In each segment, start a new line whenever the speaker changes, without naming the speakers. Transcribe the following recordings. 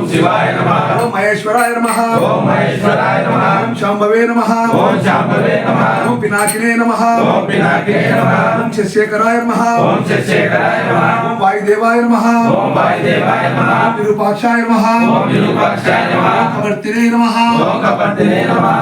शिवाय नमः
ओम महेश्वराय नमः
ओम महेश्वराय नमः
ओम शांभवे नमः
ओम शांभवे नमः
ओम पिनाकिने नमः
ओम पिनाकिने नमः
ओम शशिशेखराय नमः
ओम शशिशेखराय नमः
ओम वायुदेवाय नमः
ओम वायुदेवाय नमः
ओम विरूपाक्षाय नमः
ओम विरूपाक्षाय नमः
ओम कवर्तिने नमः
ओम कपर्दिने नमः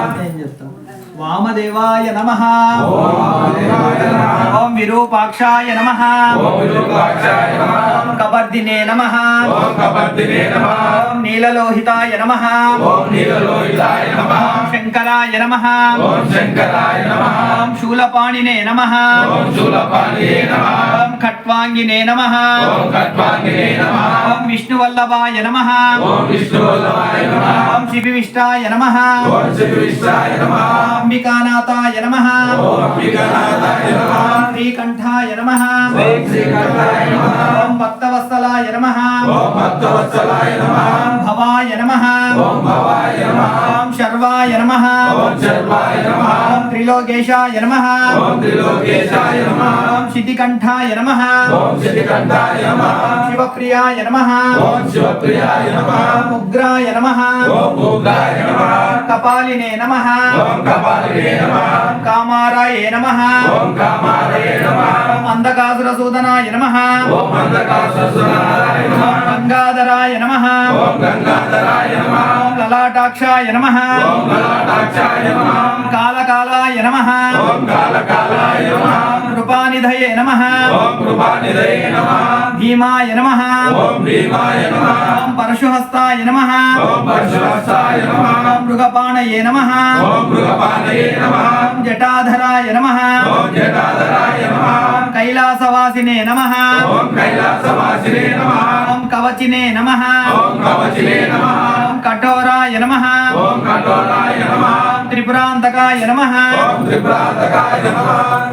वामदेवाय नमः
ओम वामदेवाय नमः
ओम विरूपाक्षाय नमः
ओम विरूपाक्षाय नमः
ओम कपर्दिने नमः
ओम कपर्दिने नमः
ओम नीललोहिताय नमः
ओम नीललोहिताय नमः
ओम शंकराय नमः
ओम शंकराय नमः
ओम शूलपाणिने नमः
ओम शूलपाणिने नमः
ओम खट्वांगिने नमः
ओम खट्वांगिने नमः
ओम विष्णुवल्लभाय नमः
ओम विष्णुवल्लभाय नमः
ओम शिविविष्टाय नमः
ओम शिवविष्टाय नमः
अंबिकानाथाय नमः
ओम अंबिकानाथाय नमः
श्रीकंठाय नमः
ओम श्रीकंठाय नमः
ओम भक्तवत्सलाय नमः
ओम भक्तवत्सलाय नमः
ओम भवाय नमः
ओम भवाय नमः
ओम शर्वाय नमः
ओम शर्वाय नमः
ओम त्रिलोकेशाय नमः
ओम त्रिलोकेशाय नमः
ओम शितिकंठाय नमः
ओम शितिकंठाय नमः
ओम शिवप्रियाय नमः
ओम शिवप्रियाय नमः
ओम उग्राय नमः
ओम उग्राय नमः
कपालिने नमः
ओम कपालिने नमः
ओम कामाराय नमः
ओम कामारये नमः
ओम अंधकासुरसूदनाय नमः
ओम अंधकासुरसूदनाय नमः
ओम गंगाधराय नमः
ओम गंगाधराय नमः
ओम ललाटाक्षाय नमः
ओम ललाटाक्षाय नमः
ओम कालकालाय नमः
ओम कालकालाय नमः
ओम कृपानिधये नमः
ओम कृपानिधये नमः
ओम भीमाय नमः
ओम भीमाय नमः
ओम परशुहस्ताय नमः
ओम परशुहस्ताय नमः
ओम मृगपाणये नमः
ओम मृगपाणये नमः
ओम जटाधराय नमः
ओम जटाधराय नमः
ओम कैलासवासिने नमः
ओम कैलासवासिने नमः
ओम कवचिने नमः
ओम कवचिने नमः
ओम कठोराय नमः
ओम कठोराय नमः
ओम त्रिपुरान्तकाय नमः
ओम त्रिपुरान्तकाय नमः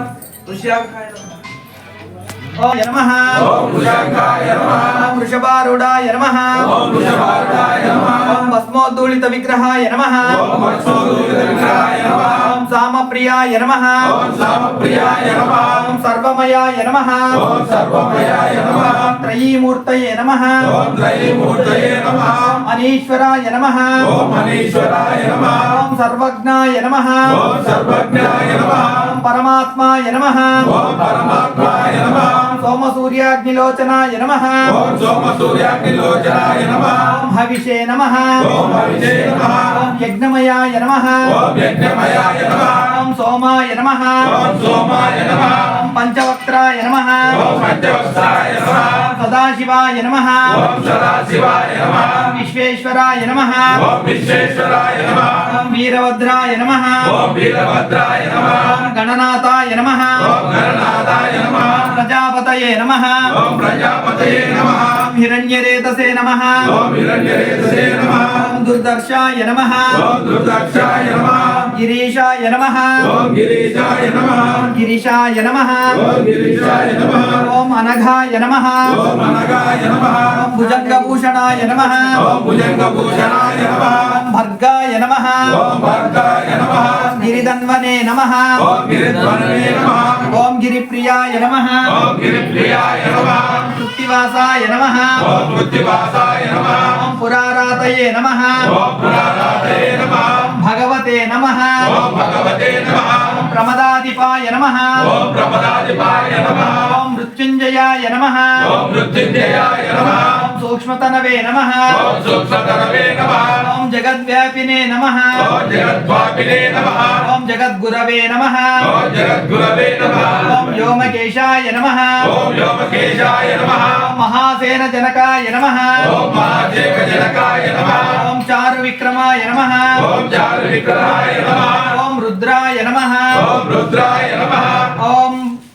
ओम नमः
ओम वृषंगाय नमः
ओम वृषभारूढाय नमः
ओम वृषभारूढाय नमः
ओम भस्मोद्धूलित विग्रहाय नमः
ओम भस्मोद्धूलितविग्रहाय नमः
ओम सामप्रियाय नमः
ओम सामप्रियाय नमः
ओम सर्वमयाय नमः
ओम सर्वमयाय नमः
ओम त्रयीमूर्तये नमः
ओम त्रयीमूर्तये नमः
ओम अनीश्वराय नमः
ओम अनीश्वराय नमः
ओम सर्वज्ञाय नमः
ओम सर्वज्ञाय नमः
ओम परमात्माय नमः
ओम परमात्माय नमः
ओम सोमसूर्याग्निलोचनाय नमः
ओम सोमसूर्याग्निलोचनाय नमः
ओम हविषे नमः
ओम हविषे नमः
ओम यज्ञमयाय नमः
ओम यज्ञमयाय नमः
ओम सोमाय नमः
ओम सोमाय नमः
ओम पंचवक्त्राय नमः
ओम पंचवक्त्राय नमः
ओम सदाशिवाय नमः
ओम सदाशिवाय नमः
ओम विश्वेश्वराय नमः
ओम विश्वेश्वराय नमः
ओम वीरभद्राय नमः
ओम वीरभद्राय नमः
ओम गणनाथाय नमः
ओम गणनाथाय नमः
ओम प्रजापतये नमः
ओम प्रजापतये नमः
ओम हिरण्यरेतसे नमः
ओम हिरण्यरेतसे नमः
ओम दुर्दर्शाय नमः
ओम दुर्दक्षाय नमः
ओम गिरीशाय नमः
ओम गिरीशाय नमः
ओम गिरिशाय नमः
ओम गिरीशाय नमः
ओम अनघाय नमः
ओम अनगाय नमः
ओम भुजंगभूषणाय नमः
ओम भुजंगभूषणाय नमः
ओम भर्गाय नमः
ओम भर्गाय नमः
ओम गिरिधन्वने नमः
ओम गिरिध्वनवे नमः
ओम गिरिप्रियाय नमः
ओम गिरिप्रियाय नमः
ओम कृत्तिवासाय नमः
ओम कृत्तिवासाय नमः
ओम पुरारातये नमः
ओम पुरारातये नमः
ओम भगवते नमः
ओम भगवते नमः
ओम प्रमदाधिपाय नमः
ओम प्रमदाधिपाय नमः
ओम मृत्युंजयाय नमः
ओम मृत्युंजयाय नमः
ओम सूक्ष्मतनवे नमः
ओम सूक्ष्मतरवे नमः
ओम जगद्व्यापिने नमः
ओम जगद्वापिने नमः
ओम जगद्गुरवे नमः
ओम जगद्गुरवे नमः
ओम व्योमकेशाय नमः
ओम व्योमकेशाय नमः
ओम महासेनजनकाय नमः
ओम महादेवजनकाय नमः
ओम चारुविक्रमाय नमः
ओम चारुविक्रमाय नमः
ओम रुद्राय नमः
ओम रुद्राय नमः
ओम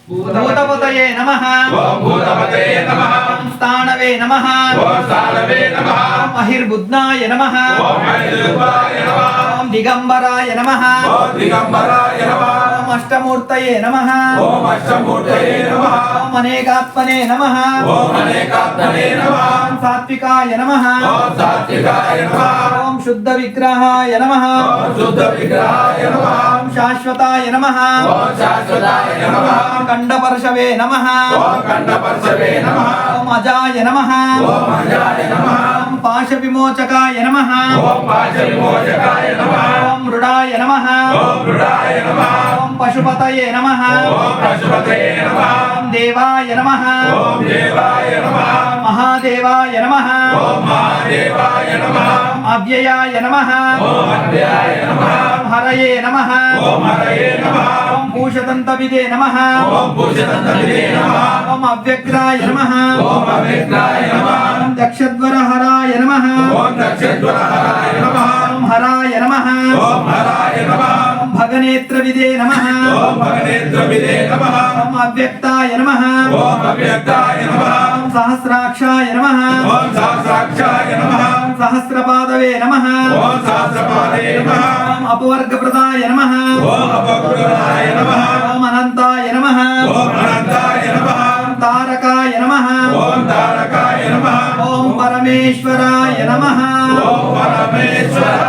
भूतपतये नमः
ओम भूतपते नमः
ओम स्थाणवे नमः
ओम सालवे नमः
ओम अहिर्बुध्नाय नमः
ओम हरिद्वाय नमः
ओम दिगंबराय नमः
ओम दिगंबराय नमः
ओम अष्टमूर्तये नमः
ओम अष्टमूर्तये नमः
ओम अनेकात्मने नमः
ओम अनेकात्मने नमः
ओम सात्विकाय नमः
ओम सात्विकाय नमः
ओम शुद्ध विग्रहाय नमः
ओम शुद्ध विग्रहाय नमः
ओम शाश्वताय नमः
ओम शाश्वताय नमः
ओम कंडपर्शवे नमः
ओम कंडपर्शवे नमः
ओम अजाय नमः
ओम अजाय नमः
ओम పాశ విమోచకాయ నమః
ఓం పాశ విమోచకాయ నమః
ఓం మృడాయ నమః
ఓం మృడాయ నమః
ఓం పశుపతయే నమః
ఓం పశుపతయే నమః
ఓం దేవాయ నమః
ఓం దేవాయ నమః
మహాదేవాయ నమః
ఓం మహాదేవాయ నమః
ఓం అవ్యయాయ నమః
ఓం అవ్యయాయ నమః
ఓం హరయే నమః
ఓం హరయే నమః
ఓం భూషదంతవిదే నమః
ఓం భూషదంతవిదే నమః
ఓం అవ్యగ్రాయ నమః
ఓం అవ్యగ్రాయ నమః
ఓం దక్షద్వరహరాయ నమః
ఓం దక్షద్వరహరాయ నమః
ఓం హరాయ నమః
ఓం హరాయ నమః
ఓం భగనేత్రవిదే నమః
ఓం భగనేత్రవిదే నమః
ఓం అవ్యక్తాయ నమః
ఓం అవ్యక్తాయ నమః
ఓం సహస్రాక్షాయ నమః
ఓం సహస్రాక్షాయ నమః
ఓం సహస్రపాదవే నమః
ఓం సహస్రపాదే నమః
ఓం అపవర్గప్రదాయ నమః
ఓం అపకృతాయ నమః
ఓం అనంతాయ నమః
ఓం అనంతాయ నమః
ఓం తారకాయ నమః
ఓం తారకాయ నమః
ఓం పరమేశ్వరాయ నమః
ఓం పరమేశ్వరాయ